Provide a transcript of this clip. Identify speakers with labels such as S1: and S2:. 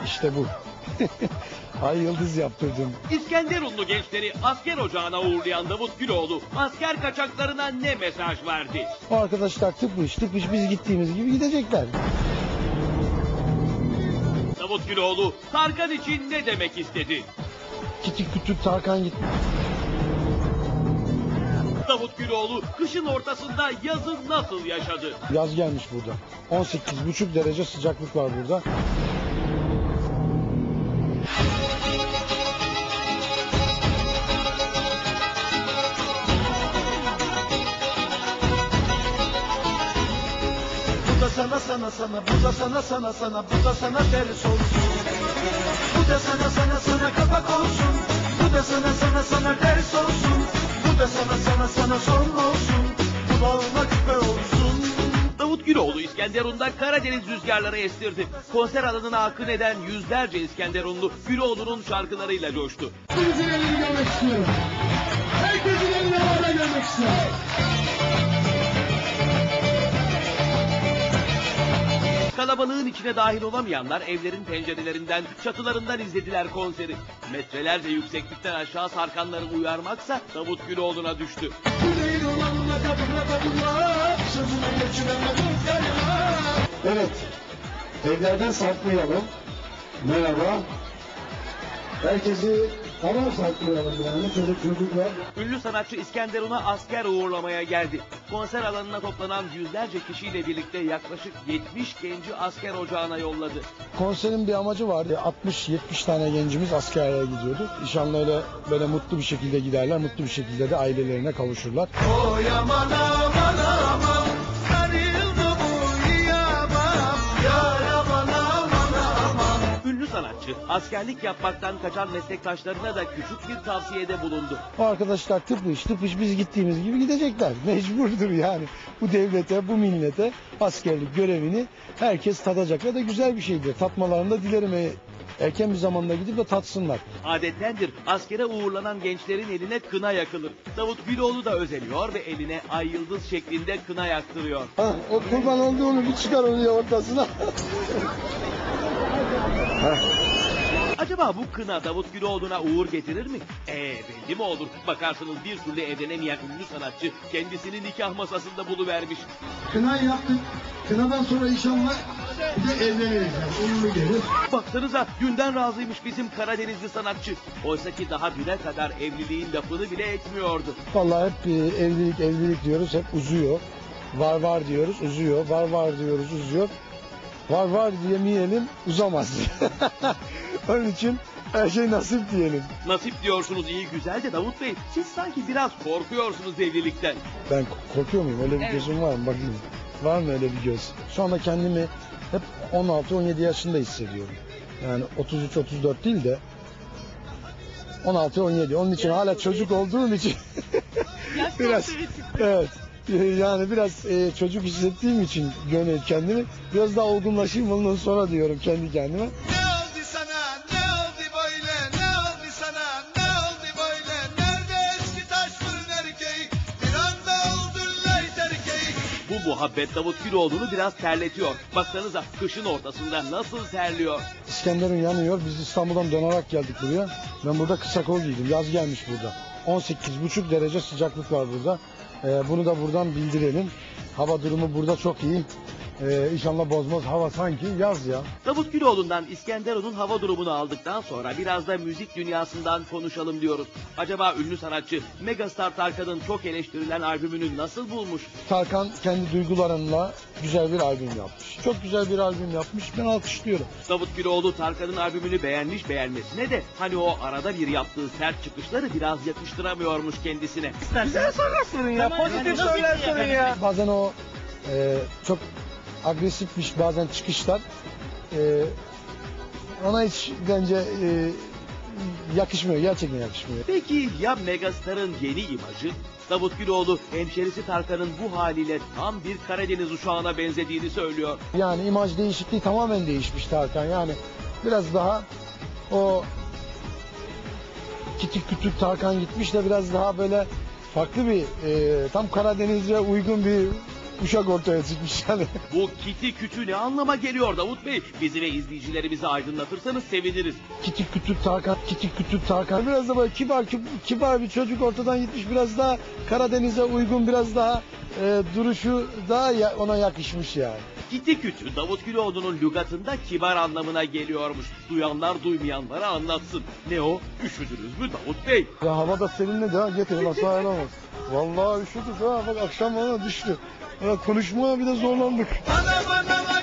S1: İşte bu. Ay yıldız yaptırdım.
S2: İskenderunlu gençleri asker ocağına uğurlayan Davut Güloğlu asker kaçaklarına ne mesaj verdi?
S1: O arkadaşlar tıpış biz gittiğimiz gibi gidecekler.
S2: Davut Güloğlu Tarkan için ne demek istedi?
S1: Küçük küçük Tarkan gitti.
S2: Davut Güloğlu kışın ortasında yazı nasıl yaşadı?
S1: Yaz gelmiş burada. 18,5 derece sıcaklık var burada.
S3: Bu da sana sana sana, bu da sana sana sana, bu da sana ters olsun. Bu da sana sana sana kapak olsun. Bu da sana sana sana ters olsun. Bu da sana sana sana son olsun. Kulağına küpe olsun.
S2: Davut Güloğlu İskenderun'da Karadeniz rüzgarları estirdi. Konser alanına akın eden yüzlerce İskenderunlu Güloğlu'nun şarkılarıyla coştu.
S4: Herkesin elini görmek istiyorum. Herkesin elini havada görmek istiyorum.
S2: Kalabalığın içine dahil olamayanlar evlerin pencerelerinden, çatılarından izlediler konseri. Metrelerce yükseklikten aşağı sarkanları uyarmaksa Davut Güloğlu'na düştü.
S4: Yüreğin olanla kabulla, sözüne geçirene dostlarına.
S1: Evet. Evlerden saklayalım. Merhaba. Herkesi tamam saklayalım yani çocuklar.
S2: Ünlü sanatçı İskenderun'a asker uğurlamaya geldi. Konser alanına toplanan yüzlerce kişiyle birlikte yaklaşık 70 genci asker ocağına yolladı.
S1: Konserin bir amacı vardı. 60-70 tane gencimiz askerliğe gidiyordu. İnşallah öyle böyle mutlu bir şekilde giderler. Mutlu bir şekilde de ailelerine kavuşurlar.
S3: Oy aman aman aman, sarıldı bu yiyamam. Yar aman aman aman.
S2: Ünlü sanatçı askerlik yapmaktan kaçan meslektaşlarına da küçük bir tavsiyede bulundu.
S1: O arkadaşlar tıpış biz gittiğimiz gibi gidecekler. Mecburdur yani. Bu devlete, bu millete askerlik görevini herkes tadacak ve de güzel bir şeydir. Tatmalarını da dilerim. Erken bir zamanda gidip de tatsınlar.
S2: Adettendir askere uğurlanan gençlerin eline kına yakılır. Davut Güloğlu da özeniyor ve eline ay yıldız şeklinde kına yaktırıyor.
S1: Ha, o kurban olduğunu bir çıkar onu ya ortasına.
S2: Acaba bu kına Davut Güloğlu'na uğur getirir mi? Belli mi olur? Bakarsınız bir türlü evlenemeyen ünlü sanatçı kendisini nikah masasında buluvermiş.
S4: Kınayı yaptık. Kınadan sonra inşallah bir de evleniriz. Yani. Uğurlu gelir.
S2: Baksanıza dünden razıymış bizim Karadenizli sanatçı. Oysa ki daha düne kadar evliliğin lafını bile etmiyordu.
S1: Vallahi hep evlilik diyoruz, hep uzuyor. Var diyoruz, uzuyor. Var diyoruz, uzuyor. Var diyemeyelim, uzamaz. Onun için her şey nasip diyelim.
S2: Nasip diyorsunuz iyi güzel de Davut Bey siz sanki biraz korkuyorsunuz evlilikten.
S1: Ben korkuyor muyum? Öyle bir gözüm var mı? Bakayım. Var mı öyle bir göz? Şu anda kendimi hep 16-17 yaşında hissediyorum. Yani 33-34 değil de 16-17. Onun için hala çocuk olduğum için biraz evet. Yani biraz çocuk hissettiğim için kendimi biraz daha olgunlaşayım ondan sonra diyorum kendi kendime.
S3: Ne oldu sana, ne oldu böyle, ne oldu sana, ne oldu böyle? Nerede eski taş fırın erkeği, bir anda oldun lay erkeği.
S2: Bu muhabbet Davut Güloğlu'nu biraz terletiyor. Baksanıza kışın ortasında nasıl terliyor.
S1: İskenderun yanıyor. Biz İstanbul'dan dönerek geldik buraya. Ben burada kısa kol giydim. Yaz gelmiş burada. 18,5 derece sıcaklık var burada. Bunu da buradan bildirelim. Hava durumu burada çok iyi. İnşallah bozmaz. Hava sanki yaz ya.
S2: Davut Güloğlu'ndan İskenderun'un hava durumunu aldıktan sonra biraz da müzik dünyasından konuşalım diyoruz. Acaba ünlü sanatçı Megastar Tarkan'ın çok eleştirilen albümünü nasıl bulmuş?
S1: Tarkan kendi duygularıyla güzel bir albüm yapmış. Çok güzel bir albüm yapmış. Ben alkışlıyorum.
S2: Davut Güloğlu Tarkan'ın albümünü beğenmiş beğenmesine de hani o arada bir yaptığı sert çıkışları biraz yakıştıramıyormuş kendisine.
S3: Güzel sorular sorun ya, pozitif sorular sorun ya.
S1: Bazen o çok agresifmiş bazen çıkışlar. Ona hiç bence yakışmıyor. Gerçekten yakışmıyor.
S2: Peki ya Megastar'ın yeni imajı? Davut Güloğlu hemşerisi Tarkan'ın bu haliyle tam bir Karadeniz uşağına benzediğini söylüyor.
S1: Yani imaj değişikliği tamamen değişmiş Tarkan. Yani biraz daha o küçük Tarkan gitmiş de biraz daha böyle farklı bir tam Karadeniz'e uygun bir uşak ortaya çıkmış yani.
S2: Bu kiti kütü ne anlama geliyor Davut Bey? Bizi ve izleyicilerimizi aydınlatırsanız seviniriz.
S1: Kitik kütük Tarkan, kitik kütük Tarkan. Biraz da böyle kibar bir çocuk ortadan gitmiş. Biraz daha Karadeniz'e uygun, biraz daha duruşu daha ona yakışmış yani.
S2: Kiti kütü Davut Güloğlu'nun lügatında kibar anlamına geliyormuş. Duyanlar duymayanlara anlatsın. Ne o? Üşüdünüz mü Davut Bey?
S1: Ya hava da serinledi ha, getirin asla alamaz. Vallahi üşüdük ha, bak akşam bana düştü. Ya konuşmaya bir de zorlandık.
S3: Bana